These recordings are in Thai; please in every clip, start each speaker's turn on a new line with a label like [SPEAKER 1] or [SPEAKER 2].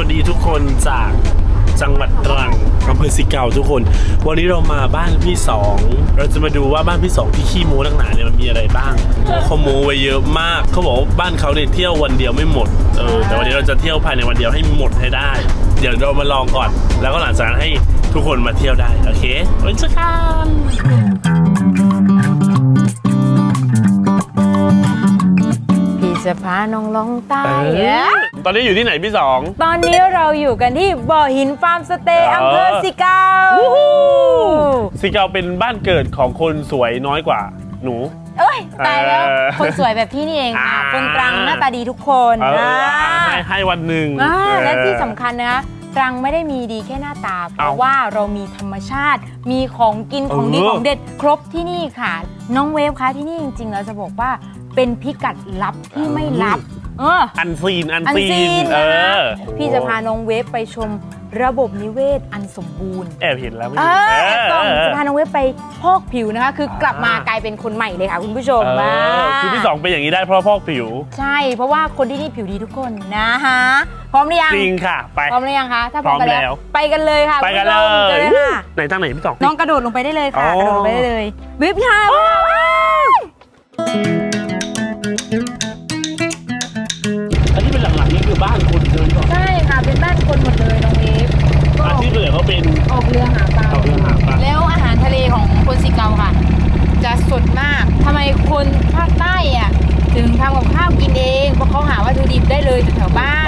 [SPEAKER 1] วัสดีทุกคนจากจังหวัดตรังอำเภอสิเก่าทุกคนวันนี้เรามาบ้านพี่สองเราจะมาดูว่าบ้านพี่สองที่ขี้โม้ตั้งนานเนี่ยมันมีอะไรบ้างเขาโม้ไว้เยอะมากเขาบอกว่าบ้านเขาเนี่ยเที่ยววันเดียวไม่หมดแต่วันนี้เราจะเที่ยวภายในวันเดียวให้หมดให้ได้เดี๋ยวเรามาลองก่อนแล้วก็หลังจากนั้นให้ทุกคนมาเที่ยวได้โอเคไปเจอกัน
[SPEAKER 2] จะพาน้องลงใต้
[SPEAKER 1] ตอนนี้อยู่ที่ไหนพี่สอง
[SPEAKER 2] ตอนนี้เราอยู่กันที่บ่อหินฟาร์มสเตย์อำเภอสิเกา
[SPEAKER 1] สิเกาเป็นบ้านเกิดของคนสวยน้อยกว่าหนู
[SPEAKER 2] เอ้ยตายแล้วคนสวยแบบพี่นี่เองค่ะคนตรังหน้าตาดีทุกคน
[SPEAKER 1] ให้วันหนึ่ง
[SPEAKER 2] และที่สำคัญนะตรังไม่ได้มีดีแค่หน้าตาเพราะว่าเรามีธรรมชาติมีของกินของดีของเด็ดครบที่นี่ค่ะน้องเวฟคะที่นี่จริงๆเราจะบอกว่าเป็นพิกัดลับที่ไม่ลับ
[SPEAKER 1] อันซีน
[SPEAKER 2] พี่จะพาน้องเวฟไปชมระบบนิเวศอันสมบูรณ์
[SPEAKER 1] แอบเห็นแล้ว
[SPEAKER 2] ต้องจะพาน้องเวฟไปพอกผิวนะคะคือกลับมากลายเป็นคนใหม่เลยค่ะคุณผู้ชม
[SPEAKER 1] คือพี่สองเป็นอย่างนี้ได้เพราะพอกผิว
[SPEAKER 2] ใช่เพราะว่าคนที่นี่ผิวดีทุกคนนะฮะพร้อมหรือยัง
[SPEAKER 1] จริงค่ะไป
[SPEAKER 2] พร้อมหรือยังคะถ้าพร้อมกันแล้วไปกันเลยค่ะ
[SPEAKER 1] ไปกันเลยไหนทางไหนพี่สอง
[SPEAKER 2] น้องกระโดดลงไปได้เลยค่ะกระโดดลงไปได้เลยวิบค่ะ
[SPEAKER 1] อันนี้เป็นหลังๆนี่คือบ้านคนเลยเหรอ
[SPEAKER 2] ใช่ค่ะเป็นบ้านคนหมดเลยน้องเวฟ
[SPEAKER 1] อาชีพเหลือเขาเป็น
[SPEAKER 2] ออกเรือหาปลาแล้วอาหารทะเลของคนสิเกาค่ะจะสดมากทำไมคนภาคใต้อ่ะถึงทำกับข้าวกินเองเพราะเขาหาวัตถุดิบได้เลยแถวบ้าน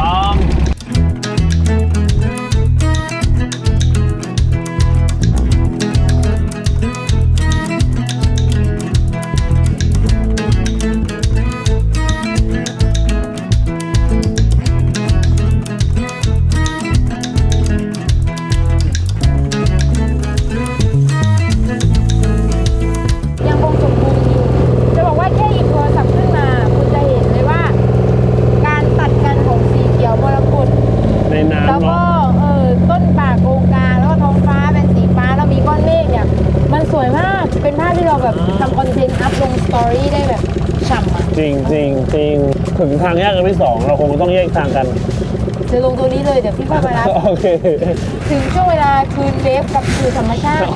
[SPEAKER 1] จริงถึงทางแยกกันที่2เราคงต้องแยกทางกัน
[SPEAKER 2] จะลงตัวนี้เลยเดี๋ยวพี่พ่อไปรับ
[SPEAKER 1] โอเค
[SPEAKER 2] ถึงช่วงเวลาคืนเวฟกับคืนธรรมชาติ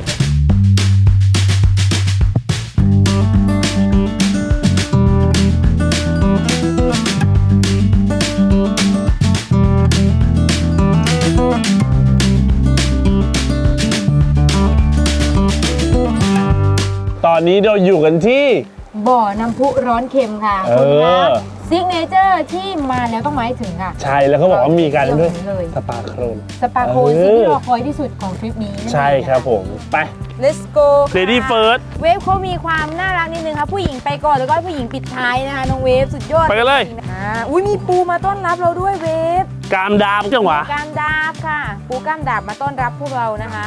[SPEAKER 1] ตอนนี้เราอยู่กันที่
[SPEAKER 2] บ่อน้ำพุร้อนเค็มค่ะซิกเนเจอร์ที่มาแล้วต้องมาให้ถึงค่ะ
[SPEAKER 1] ใช่แล้วเขาบอกว่ามีการด้วยสปาโครน
[SPEAKER 2] ที่รอคอยที่สุดของทริปนี้
[SPEAKER 1] ใช่ครับผมไป
[SPEAKER 2] let's go
[SPEAKER 1] lady first
[SPEAKER 2] เวฟเขามีความน่ารักนิดนึงครับผู้หญิงไปก่อนแล้วก็ผู้หญิงปิดท้ายนะคะน้องเวฟสุดยอด
[SPEAKER 1] ไปกันเลย
[SPEAKER 2] อุ้ยมีปูมาต้อนรับเราด้วยเวฟ
[SPEAKER 1] กามดาบจังหวะ
[SPEAKER 2] กามดาบค่ะปูกามดาบมาต้อนรับพวกเรานะคะ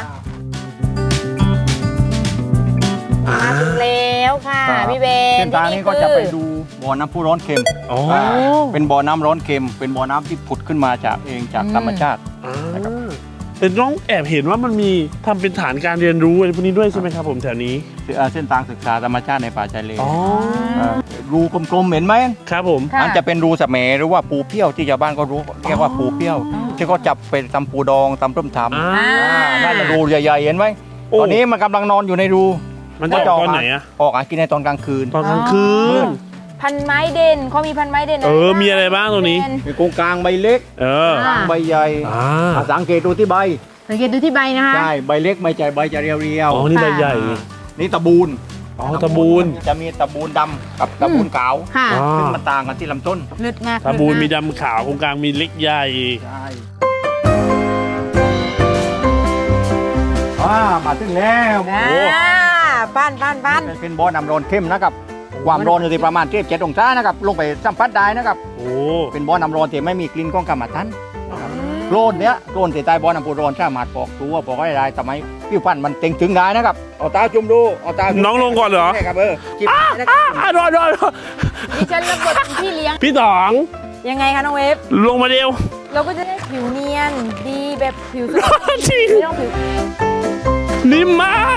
[SPEAKER 2] มาถึงแล้วค่ะพี่เบน
[SPEAKER 3] เส้นทางนี้ก็จะไปดูบ่อน้ำพุร้อนเค็มเป็นบ่อน้ำร้อนเค็มเป็นบ่อน้ำที่ผุดขึ้นมาจากธรรมชาติ
[SPEAKER 1] แต่น้องแอบเห็นว่ามันมีทำเป็นฐานการเรียนรู้อะไรพวกนี้ด้วยใช่ไหมครับผมแถวนี้
[SPEAKER 3] เส้นทางศึกษาธรรมชาติในป่าชายเลนรูกลมๆเห็นไหม
[SPEAKER 1] ครับผม
[SPEAKER 3] มันจะเป็นรูสะแหมหรือว่าปูเปี้ยวที่ชาวบ้านก็รู้เรียกว่าปูเปี้ยวที่เขาจับไปทำปูดองทำต้มทำน่าจะรูใหญ่ๆเห็นไหมตอนนี้มันกำลังนอนอยู่ในรู
[SPEAKER 1] มันจะออกตอนไหนอะ
[SPEAKER 3] ออกกินในตอนกลางคืน
[SPEAKER 2] พันไม้เด่นเขามีพันไม้เด่น
[SPEAKER 1] มีอะไรบ้างตรงนี้
[SPEAKER 3] มีกงกลางใบเล็กกลางใบใหญ่สังเกตดูที่ใบ
[SPEAKER 2] สังเกตดูที่ใบนะคะ
[SPEAKER 3] ใช่ใบเล็กใบใหญ่ใบจะเรียว
[SPEAKER 1] ๆอ๋อนี่ใบใหญ่
[SPEAKER 3] นี่ตะบูน
[SPEAKER 1] ตะบูน
[SPEAKER 3] จะมีตะบูนดำกับตะบูนขาวซึ่งมันต่างกันที่ลำต้น
[SPEAKER 2] เลือดมาก
[SPEAKER 1] ตะบูนมีดำขาวกงกลางมีเล็กใหญ่
[SPEAKER 3] มาถึงแล้ว
[SPEAKER 2] บ้าน
[SPEAKER 3] เป็นบ่อน้ำร้อนเข้มนะครับความร้อนอยู่ที่ประมาณ7 องศานะครับลงไปสัมผัสได้นะครับเป็นบ่อน้ำร้อนที่ไม่มีกลิ่นของกรรมฐานโคลนเนี้ยโคลนที่ใต้บ่อน้ำพุร้อนสามารถปอกตัวปอกได้ทำไมผิวพรรณมันเต่งถึงได้นะครับเอาตาจุ่มดูเอาตา
[SPEAKER 1] น้องลงก่อนเหรอ
[SPEAKER 3] ใช่ครับ
[SPEAKER 1] จิ้มรอ
[SPEAKER 2] ดิฉันรับบทพี่เลี้ยง
[SPEAKER 1] พี่ต๋อง
[SPEAKER 2] ยังไงคะน้องเวฟ
[SPEAKER 1] ลงมาเดียว
[SPEAKER 2] เราก็จะได้ผิวเนียนดีแบบผิวสวยไม่ต้องผิว
[SPEAKER 1] นิ่มมาก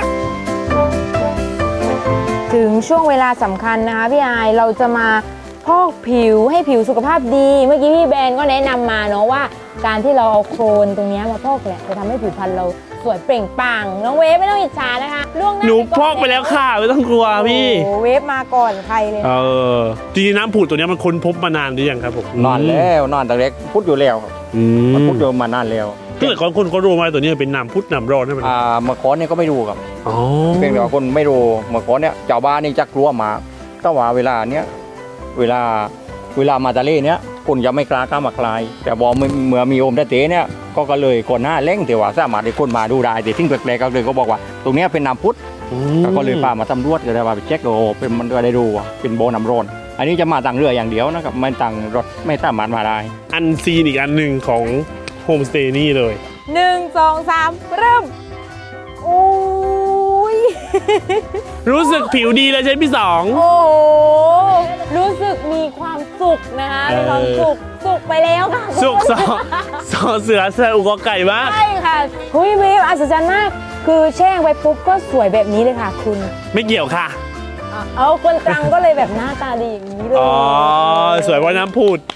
[SPEAKER 2] ถึงช่วงเวลาสำคัญนะคะพี่อายเราจะมาพอกผิวให้ผิวสุขภาพดีเมื่อกี้พี่แบนก็แนะนำมาเนาะว่าการที่เราเอาโครนตรงเนี้ยมาพอกเนี่ยจะทำให้ผิวพรรณเราสวยเปล่งปลั่งน้องเวฟไม่ต้องอิจฉานะคะล่วงหน้า
[SPEAKER 1] หนูพอกไปแล้วค่ะไม่ต้องกลัวพี่
[SPEAKER 2] โอ้โหเวฟมาก่อนใครเลย
[SPEAKER 1] จริงๆน้ำผุดตัวเนี้ยมันค้นพบมานานหรือยังครับผม
[SPEAKER 3] นอนแล้วนอนแต่เล็กพุทธอยู่แล้วครับ
[SPEAKER 1] อื
[SPEAKER 3] มัน
[SPEAKER 1] ม
[SPEAKER 3] พุทธอยู่มานานแล้ว
[SPEAKER 1] ถ้าเกิดคนเขารู้มาตัวนี้เป็นน้ำพุดน้ำร้อนใช่ไหม
[SPEAKER 3] เมื่อก่อนเนี่ยก็ไม่รู้ครับ
[SPEAKER 1] อ๋อ
[SPEAKER 3] เพียงแต่ว่าคนไม่รู้เมื่อก่อนเนี่ยเจ้าบ้านนี่จะกลัวหมาแต่ว่าเวลาเนี้ยเวลามาทะเลเนี้ยคนจะไม่กล้ามาคลาย แต่พอเมื่อมีโอมได้เตะเนี่ยก็เลยคนหน้าเล่งแต่ว่าสามารถให้คนมาดูได้แต่ทิ้งแปลกๆก็เลยก็บอกว่า ตรงเนี้ยเป็นน้ำพุทธก็เลยพามาตำรวจก็เลยว่าไปเช็คโอ้เป็นมันก็ได้ดูว่าเป็นโบน้ำร้อนอันนี้จะมาต่างเรืออย่างเดียวนะครับไม่ต่างรถไม่สามารถมาได้
[SPEAKER 1] อันซีนอีกอันหนึ่งของโฮมสเตย์นี่เลย
[SPEAKER 2] 1 2 3 เริ่มอุ้ย
[SPEAKER 1] รู้สึกผิวดีเลยใช่ไหมพี่สอง
[SPEAKER 2] โอ้โหรู้สึกมีความสุขนะคะมีความสุขไปแล้วค่ะ
[SPEAKER 1] สุกสอเสือเสืออุกอไก่มาก
[SPEAKER 2] ใช่ค่ะเฮ้ยเวฟอัศจรรย์มากคือแช่งไปปุ๊บก็สวยแบบนี้เลยค่ะคุณ
[SPEAKER 1] ไม่เกี่ยวค่ะ
[SPEAKER 2] เอาคนตรังก็เลยแบบหน้าตาดีอย่างนี้เลย
[SPEAKER 1] อ๋อ สวยเพราะน้ำผุด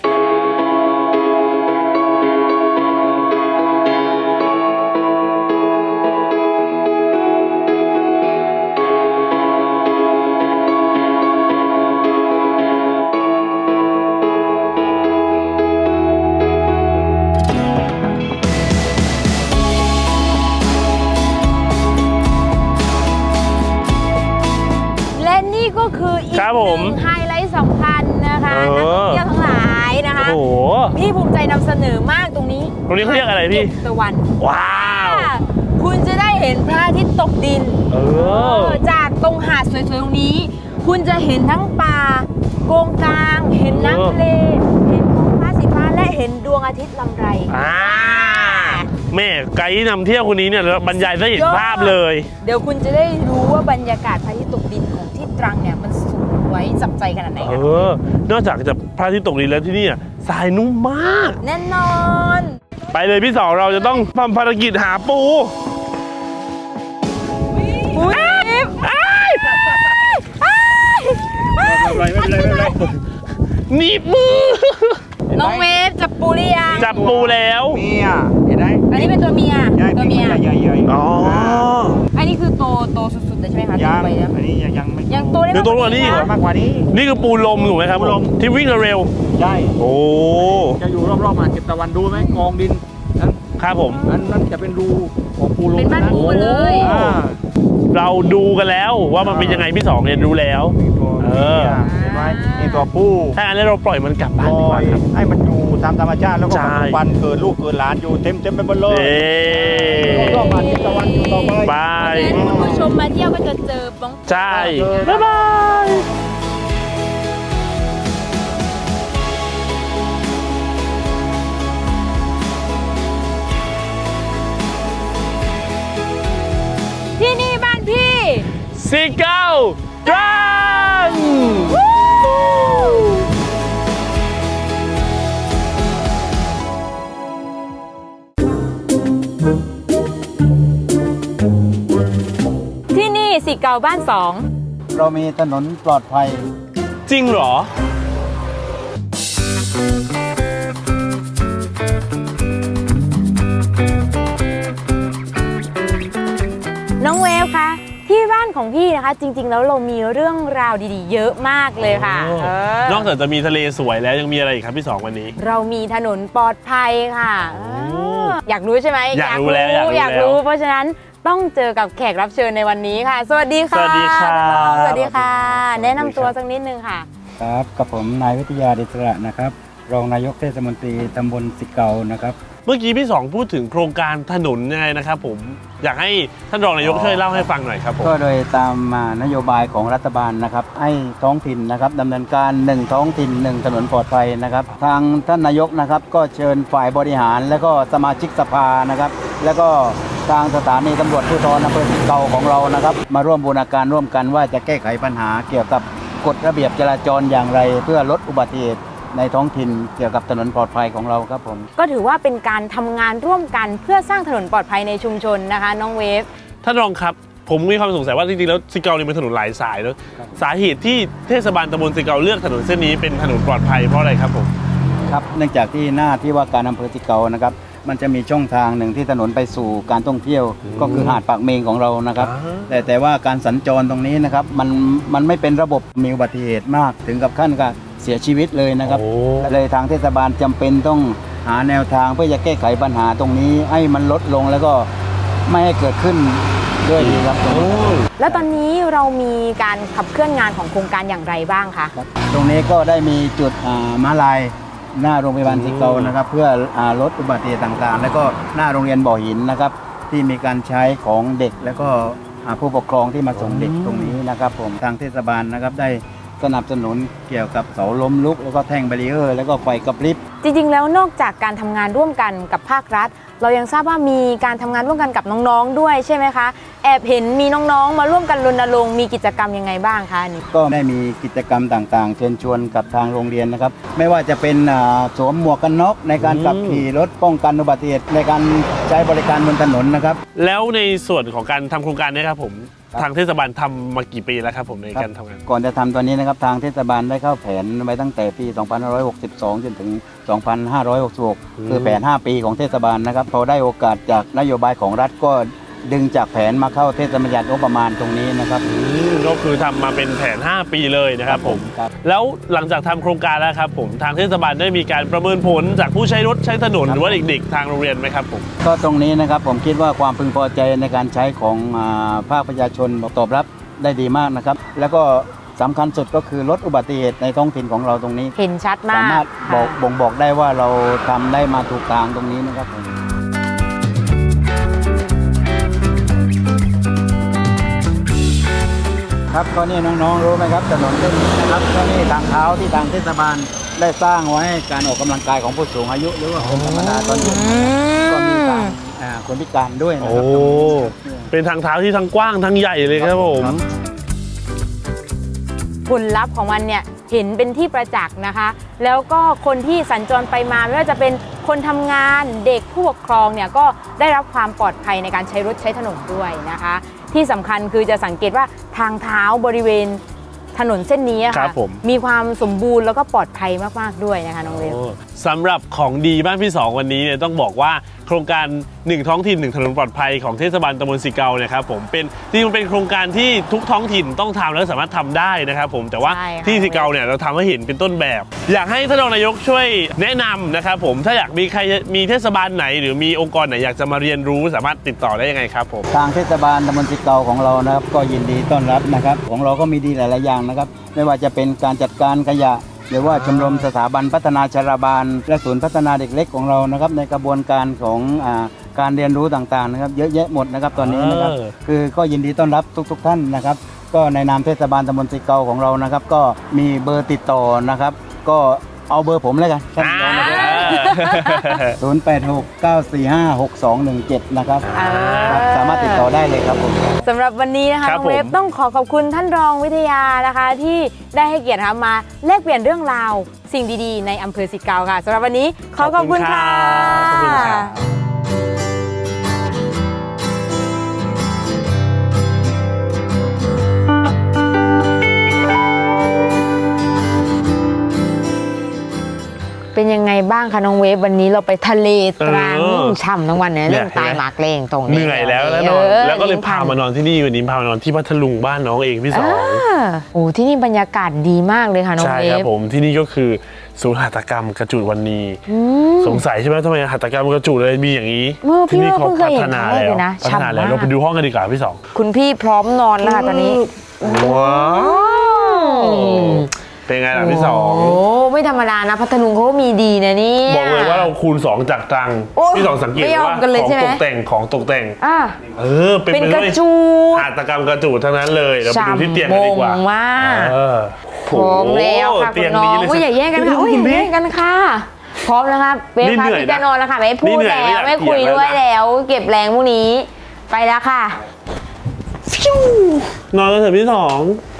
[SPEAKER 2] และนี่ก็คืออีก
[SPEAKER 1] ครับ
[SPEAKER 2] ห
[SPEAKER 1] ผ
[SPEAKER 2] นึ่
[SPEAKER 1] ม
[SPEAKER 2] งไฮไลท์สำคัญนะคะนักท่องเที่ยวทั้งหลายนะคะ
[SPEAKER 1] โอ้โห
[SPEAKER 2] พี่ภูมิใจนำเสนอมากตรงนี้
[SPEAKER 1] ตรงนี้เขาเรียกอะไรพี่
[SPEAKER 2] ตะวัน
[SPEAKER 1] ว้าว
[SPEAKER 2] คุณจะได้เห็นพระอาทิตย์ตกดิน จากตรงหาดสวยๆตรงนี้ คุณจะเห็นทั้งป่าโกงกลาง เห็นน้ำทะเล เห็นท้องฟ้าสีฟ้าและเห็นดวงอาทิตย์ลำไร
[SPEAKER 1] แม่ไกด์นำเที่ยวคนนี้เนี่ยบรรยายได้เห็นภาพเลย
[SPEAKER 2] เดี๋ยวคุณจะได้รู้ว่าบรรยากาศพระอาทิตย์ตกดินของที่ตรังเนี่ยมันสวยจับใจขนาดไหนคะ
[SPEAKER 1] นอกจากจะพระอาทิตย์ตกดินแล้วที่นี่ทรายนุ่มมาก
[SPEAKER 2] แน่นอน
[SPEAKER 1] ไปเลยพี่สองเราจะต้องทำภารกิจหาปู
[SPEAKER 2] อุ๊ย
[SPEAKER 1] หนีบมือ
[SPEAKER 2] น้องเวฟจับปูหรือยัง
[SPEAKER 1] จับปูแล้ว
[SPEAKER 3] เมียเห็นไหม
[SPEAKER 2] อันนี้เป็นตัวเมีย ตัวเมีย
[SPEAKER 3] ใหญ่ๆ
[SPEAKER 1] อ๋อ
[SPEAKER 2] อันนี้คือโตสุดๆเลยใช่ไหมคะ
[SPEAKER 3] ยัง
[SPEAKER 2] ไปแล้ว
[SPEAKER 3] อันนี้ยังไม่
[SPEAKER 2] ยังโตได้
[SPEAKER 1] เดี๋ยวโตกว่านี้อีกเหรอ
[SPEAKER 3] มากกว่านี้
[SPEAKER 1] นี่คือปูลมถูกไหมครับ
[SPEAKER 3] ปูลม
[SPEAKER 1] ที่วิ่งเร็ว
[SPEAKER 3] ใช่
[SPEAKER 1] โอ้
[SPEAKER 3] จะอยู่รอบๆมาเก็บตะวันดูไหมกองดินนั้น
[SPEAKER 1] ครับผม
[SPEAKER 3] นั้นจะเป็นรูของปูลม
[SPEAKER 2] เป็นบ้านปูเลย
[SPEAKER 3] อ่า
[SPEAKER 1] เราดูกันแล้วว่ามันเป็นยังไงพี่สองเนี่ยรู้แล้ว
[SPEAKER 3] มีตัว
[SPEAKER 1] เออ
[SPEAKER 3] เห็นไหมมีตัวปู
[SPEAKER 1] ถ้างั้นเราปล่อยมันกลับบ้านดีกว่าครับ
[SPEAKER 3] ให้มันอยู่ตามธรรมชาติแล้วก็
[SPEAKER 1] ใช่
[SPEAKER 3] ปัจจุบันเกิดลูกเกิดหลานอยู่เต็มไปหมดเลย
[SPEAKER 1] เอ๊
[SPEAKER 3] รอบๆมาเก็บตะวันอยู่ต่อไป
[SPEAKER 1] บาย
[SPEAKER 2] งั้นคุณผู้ชมมาเที่ยวก็จะเจอบ้อง
[SPEAKER 1] ใช่ บ๊ายบาย
[SPEAKER 2] ที่นี่บ้านพี่
[SPEAKER 1] ซิเก้าตรัง
[SPEAKER 2] ที่นี่สิเก่าบ้านสอง
[SPEAKER 3] เรามีถนนปลอดภัย
[SPEAKER 1] จริงเหรอ
[SPEAKER 2] น้องเวฟคะที่บ้านของพี่นะคะ จริง ๆ แล้วเรามีเรื่องราวดีๆ เยอะมากเลยค่ะ
[SPEAKER 1] โอ้ นอกจากจะมีทะเลสวยแล้วยังมีอะไรอีกครับพี่สองวันนี้
[SPEAKER 2] เรามีถนนปลอดภัยค่ะอยากรู้ใช่ไหม
[SPEAKER 1] อยากรู้แล้ว
[SPEAKER 2] อยากรู้ เพราะฉะนั้นต้องเจอกับแขกรับเชิญในวันนี้ค่ะ สวัสดีค่ะ
[SPEAKER 1] สวัสดีครับ
[SPEAKER 2] น้องๆสวัสดีค่ะ แนะนำตัวสักนิดนึงค่ะ
[SPEAKER 4] ครับกับผมนายวิทยาเดชระนะครับ รองนายกเทศมนตรีตำบลสิเกานะครับ
[SPEAKER 1] เมื่อกี้พี่สองพูดถึงโครงการถนนยังไงนะครับผม อยากให้ท่านรองนายกช่วยเล่าให้ฟังหน่อยครับผม
[SPEAKER 4] ก็โดยตามนโยบายของรัฐบาลนะครับ ให้ท้องถิ่นนะครับดำเนินการ1ท้องถิ่น1ถนนปลอดภัยนะครับ ทางท่านนายกนะครับก็เชิญฝ่ายบริหาร และก็สมาชิกสภานะครับ แล้วก็ทางสถานีตำรวจภูธรอำเภอสิเกาของเรานะครับ มาร่วมบูรณาการร่วมกันว่าจะแก้ไขปัญหาเกี่ยวกับกฎระเบียบจราจรอย่างไร เพื่อลดอุบัติเหตุในท้องถิ่นเกี่ยวกับถนนปลอดภัยของเราครับผม
[SPEAKER 2] ก็ถือว่าเป็นการทำงานร่วมกันเพื่อสร้างถนนปลอดภัยในชุมชนนะคะ น้องเวฟ
[SPEAKER 1] ท่านรองครับ ผมมีความสงสัยว่าจริงๆแล้วซิเกาเนี่ยเป็นถนนหลายสายแล้ว
[SPEAKER 4] ครับ
[SPEAKER 1] สาเหตุที่เทศบาลตำบลซิเกาเลือกถนนเส้นนี้เป็นถนนปลอดภัยเพราะอะไรครับผม
[SPEAKER 4] ครับเนื่องจากที่หน้าที่ว่าการอำเภอสิเกานะครับมันจะมีช่องทางหนึ่งที่ถนนไปสู่การท่องเที่ยวก็คือหาดปากเมงของเรานะครับแต่ว่าการสัญจรตรงนี้นะครับมันไม่เป็นระบบมีอุบัติเหตุมากถึงกับขั้นกับเสียชีวิตเลยนะครับเลยทางเทศบาลจำเป็นต้องหาแนวทางเพื่อจะแก้ไขปัญหาตรงนี้ให้มันลดลงแล้วก็ไม่ให้เกิดขึ้นด้วยดีครับ
[SPEAKER 2] แล้วตอนนี้เรามีการขับเคลื่อนงานของโครงการอย่างไรบ้างคะ
[SPEAKER 4] ตรงนี้ก็ได้มีจุดม้าลายหน้าโรงพยาบาลสิเกานะครับเพื่อลดอุบัติเหตุต่างๆ แล้วก็หน้าโรงเรียนบ่อหินนะครับที่มีการใช้ของเด็กแล้วก็ผู้ปกครองที่มาส่งเด็กตรงนี้นะครับผมทางเทศบาลนะครับได้สนับสนุนเกี่ยวกับเสาล้มลุกแล้วก็แท่งแบรีเออร์แล้วก็ไฟกระพริบ
[SPEAKER 2] จริงๆแล้วนอกจากการทำงานร่วมกันกับภาครัฐ เรายังทราบว่ามีการทำงานร่วมกันกับน้องๆด้วยใช่ไหมคะแอบเห็นมีน้องๆมาร่วมกันรณรงค์มีกิจกรรมยังไงบ้างคะนี่
[SPEAKER 4] ก็ได้มีกิจกรรมต่างๆเชิญชวนกับทางโรงเรียนนะครับไม่ว่าจะเป็นสวมหมวกกันน็อกในการขับขี่รถป้องกันอุบัติเหตุในการใช้บริการบนถนนนะครับ
[SPEAKER 1] แล้วในส่วนของการทำโครงการนี้ครับผมทางเทศบาลทำมากี่ปีแล้วครับผมในการทำงาน
[SPEAKER 4] ก่อนจะทำตอนนี้นะครับทางเทศบาลได้เข้าแผนไว้ตั้งแต่ปี 2562 จนถึง 2566 คือแผน 5 ปีของเทศบาลนะครับพอได้โอกาสจากนโยบายของรัฐก็ดึงจากแผนมาเข้าเทศบัญญัติงบประมาณตรงนี้นะครับ
[SPEAKER 1] ก็คือทำมาเป็นแผน 5 ปีเลยนะครับผม
[SPEAKER 4] ครับ
[SPEAKER 1] แล้วหลังจากทำโครงการแล้วครับผมทางเทศบาลได้มีการประเมินผลจากผู้ใช้รถใช้ถนนหรือว่าเด็กๆทางโรงเรียนไหมครับผม
[SPEAKER 4] ก็ตรงนี้นะครับผมคิดว่าความพึงพอใจในการใช้ของภาคประชาชนตอบรับได้ดีมากนะครับแล้วก็สำคัญสุดก็คือลดอุบัติเหตุในท้องถิ่นของเราตรงนี้
[SPEAKER 2] เห็นชัดมาก
[SPEAKER 4] สามารถบ่งบอกได้ว่าเราทำได้มาถูกทางตรงนี้นะครับผมครับก็นี่น้องๆรู้ไหมครับถนนเส้นนี้นะครับก็นี่ทางเท้าที่ทางเทศบาลได้สร้างไว้ให้การออกกำลังกายของผู้สูงอายุหรือว่าคนธรรมดาตอนนี้ก็มีทางคนพิการด้วยนะ
[SPEAKER 1] โอ้
[SPEAKER 4] ครับ
[SPEAKER 1] เป็นทางเท้าที่ทั้งกว้างทั้งใหญ่เลยครับผม
[SPEAKER 2] ผลลัพธ์ของมันเนี่ยเห็นเป็นที่ประจักษ์นะคะ แล้วก็คนที่สัญจรไปมาไม่ว่าจะเป็นคนทำงานเด็กผู้ปกครองเนี่ยก็ได้รับความปลอดภัยในการใช้รถใช้ถนนด้วยนะคะ ที่สำคัญคือจะสังเกตว่าทางเท้าบริเวณถนนเส้นนี้อะ
[SPEAKER 1] ครั
[SPEAKER 2] ค่ะ
[SPEAKER 1] บผม
[SPEAKER 2] มีความสมบูรณ์แล้วก็ปลอดภัยมากๆด้วยนะคะน้องเวฟ
[SPEAKER 1] สำหรับของดีบ้านพี่สองวันนี้เนี่ยต้องบอกว่าโครงการ1ท้องถิ่น1ถนนปลอดภัยของเทศบาลตำบลสิเกาเนี่ยครับผมเป็นจริงๆมันเป็นโครงการที่ทุกท้องถิ่นต้องทำและสามารถทำได้นะครับผมแต่ว่า
[SPEAKER 2] ใช่ค่ะ
[SPEAKER 1] ที่สิเกาเนี่ยเราทำให้เห็นเป็นต้นแบบ อยากให้ท่านรองนายกช่วยแนะนำนะครับผมถ้าอยากมีใครมีเทศบาลไหน หรือมีองค์กรไหนอยากจะมาเรียนรู้สามารถติดต่อได้ยังไงครับผม
[SPEAKER 4] ทางเทศบาลตำบลสิเกาของเรานะครับก็ยินดีต้อนรับนะครับของเราก็มีดีหลายๆอย่างนะครับไม่ว่าจะเป็นการจัดการขยะหรือว่าชมรมสถาบันพัฒนาชราบาลและศูนย์พัฒนาเด็กเล็กของเรานะครับในกระบวนการของการเรียนรู้ต่างๆนะครับเยอะแยะหมดนะครับตอนนี้นะครับคือก็ยินดีต้อนรับทุกๆท่านนะครับก็ในนามเทศบาลตำบลสิเกาของเรานะครับก็มีเบอร์ติดต่อนะครับก็เอาเบอร์ผมเลยกันท่านรองนะครับ0869456217นะครับครับสามารถติดต่อได้เลยครับผม
[SPEAKER 2] สำหรับวันนี้นะคะ
[SPEAKER 1] ครับ
[SPEAKER 2] น้องเวฟ
[SPEAKER 1] ผม
[SPEAKER 2] ต้องขอบคุณท่านรองวิทยานะคะ ที่ได้ให้เกียรตินะคะมาแลกเปลี่ยนเรื่องราวสิ่งดีๆในอำเภอสิเกาค่ะสำหรับวันนี้ขอบคุณค่ะ
[SPEAKER 1] ขอบคุณครับ
[SPEAKER 2] เป็นยังไงบ้างคะน้องเวฟวันนี้เราไปทะเลตรัง
[SPEAKER 1] เ
[SPEAKER 2] ฉ่ำทั้งวันเนี่ยเรื่องตายหมากเลงตรงนี้
[SPEAKER 1] เหนื่อยแล้วแล้วนอนแล้วก็เลยพามานอนที่นี่วันนี้พามานอนที่พัทลุงบ้านน้องเองพี่สอง
[SPEAKER 2] โอ้ที่นี่บรรยากาศดีมากเลยค่ะน้อง
[SPEAKER 1] ใช่
[SPEAKER 2] เว
[SPEAKER 1] ครับ
[SPEAKER 2] ฟ
[SPEAKER 1] ผมที่นี่ก็คือศูนย์หัตถกรรมกระจุดวันนี้
[SPEAKER 2] อืม
[SPEAKER 1] สงสัยใช่ไหมทำไมหัตถกรรมกระจุดเลยมีอย่างนี้
[SPEAKER 2] พี่
[SPEAKER 1] ที่นี่เขา
[SPEAKER 2] เพิ่งเค
[SPEAKER 1] พั
[SPEAKER 2] ยเห็น
[SPEAKER 1] ฒนา
[SPEAKER 2] ครั้งแรก
[SPEAKER 1] แล้ว
[SPEAKER 2] เลยนะ
[SPEAKER 1] พัฒนาแล้ว
[SPEAKER 2] ฉ่ำมาก
[SPEAKER 1] เราไปดูห้องกันดีกว่าพี่สอง
[SPEAKER 2] คุณพี่พร้อมนอนแล้วค่ะตอนนี้
[SPEAKER 1] ว้าวเป็นไงล่ะพี่สอง
[SPEAKER 2] โอ้ไม่ธรรมดานะพัทลุงเขาก็มีดีนะเนี่ย
[SPEAKER 1] บอกเลยว่าเราคูณ 2 จากตรัง
[SPEAKER 2] โอ้
[SPEAKER 1] พี่สองสังเกต
[SPEAKER 2] ไม่ยอม
[SPEAKER 1] ว่า
[SPEAKER 2] กันเลย
[SPEAKER 1] ของ
[SPEAKER 2] ใช่ไหม
[SPEAKER 1] ตกแต่งของตกแต่ง
[SPEAKER 2] อ่ะ
[SPEAKER 1] เป็น
[SPEAKER 2] เป็น
[SPEAKER 1] ไป
[SPEAKER 2] ก
[SPEAKER 1] ด้
[SPEAKER 2] ระ
[SPEAKER 1] วย
[SPEAKER 2] จูด
[SPEAKER 1] หัตถกรรมกระจุดทั้งนั้นเลยเราไปดูที่เตียงกันดีกว่า
[SPEAKER 2] ฉ่ำมงมาก
[SPEAKER 1] เออ
[SPEAKER 2] พร้อมแล้วค่ะ
[SPEAKER 1] เตี
[SPEAKER 2] คุ
[SPEAKER 1] ย
[SPEAKER 2] ณ
[SPEAKER 1] ง
[SPEAKER 2] น้อ
[SPEAKER 1] นี้
[SPEAKER 2] ง
[SPEAKER 1] เลย
[SPEAKER 2] อุ้ยอย่าแย่งกันค่ะอุ้ยอย่าแย่งกันค่ะพร้อมแล้วครับเวฟ
[SPEAKER 1] นี่
[SPEAKER 2] ค่ะ
[SPEAKER 1] เหนื่อย
[SPEAKER 2] พี่
[SPEAKER 1] นะ
[SPEAKER 2] จะนอนแล้วค่ะไม่พู
[SPEAKER 1] นี่
[SPEAKER 2] ด
[SPEAKER 1] เหนื่อย
[SPEAKER 2] แล้ว
[SPEAKER 1] ไม่อยาก
[SPEAKER 2] ไม่คุย
[SPEAKER 1] เถียง
[SPEAKER 2] ด้วย
[SPEAKER 1] แล้วนะ
[SPEAKER 2] แล้ว เก็บแรงพวกนี้ไปแล้วค่ะฟิวน
[SPEAKER 1] อนกันเถอะพี่สอง